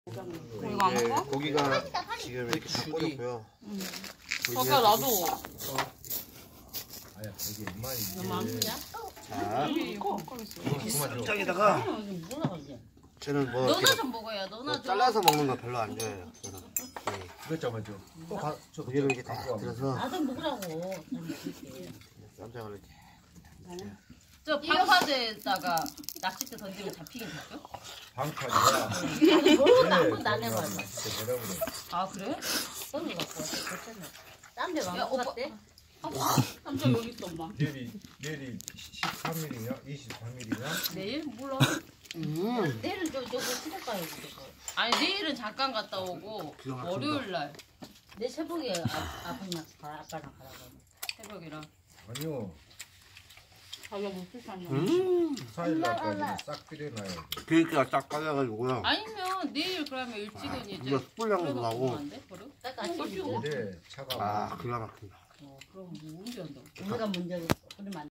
이거 안 먹어? 고기가 지금 이렇게 다 꽂았고요. 저기야 나도. 아야 이게 얼마나 너무 안 크냐? 자, 이거 쌈장에다가 저는 뭐 너나 이렇게 좀 먹어야 너나 뭐 좀. 잘라서 먹는 거 별로 안 좋아해요. 저는. 네. 이것 잡아줘. 저 고기를 이렇게 다 들어서 나도 먹으라고. 잘 먹을게. 쌈장을 이렇게. 저 방파제에다가 낚싯대 던지면 잡히긴 잡혀? 방파제야. 한 번도 안 해봐요. 뭐라 그래? 아 그래? 손을 갖고 왔어. 괜찮네. 딴데 야, 왕국 갔대? 삼촌 여기 있어 엄마. 내일이 13일이냐? 23일이냐? 내일? 몰라. 내일은 저거 시댁 가야지 저거. 아니 내일은 잠깐 갔다 오고 기가 막힌다. 월요일 날. 내 새벽에 아빠랑 가라고. 새벽이라. 아니요. 자기가 무슨 산이야? 4일 날까지는 싹 끓여놔야지. 그러니까 딱 까져가지고요. 아니면 내일 그러면 일찍은 이제 이거 숯불향도 그래서 나고. 먹으면 안 돼? 버려? 근데 차가 아, 기가 막힌다. 그럼 뭐 언제 한다고? 우리가 먼저 그러면 안 돼.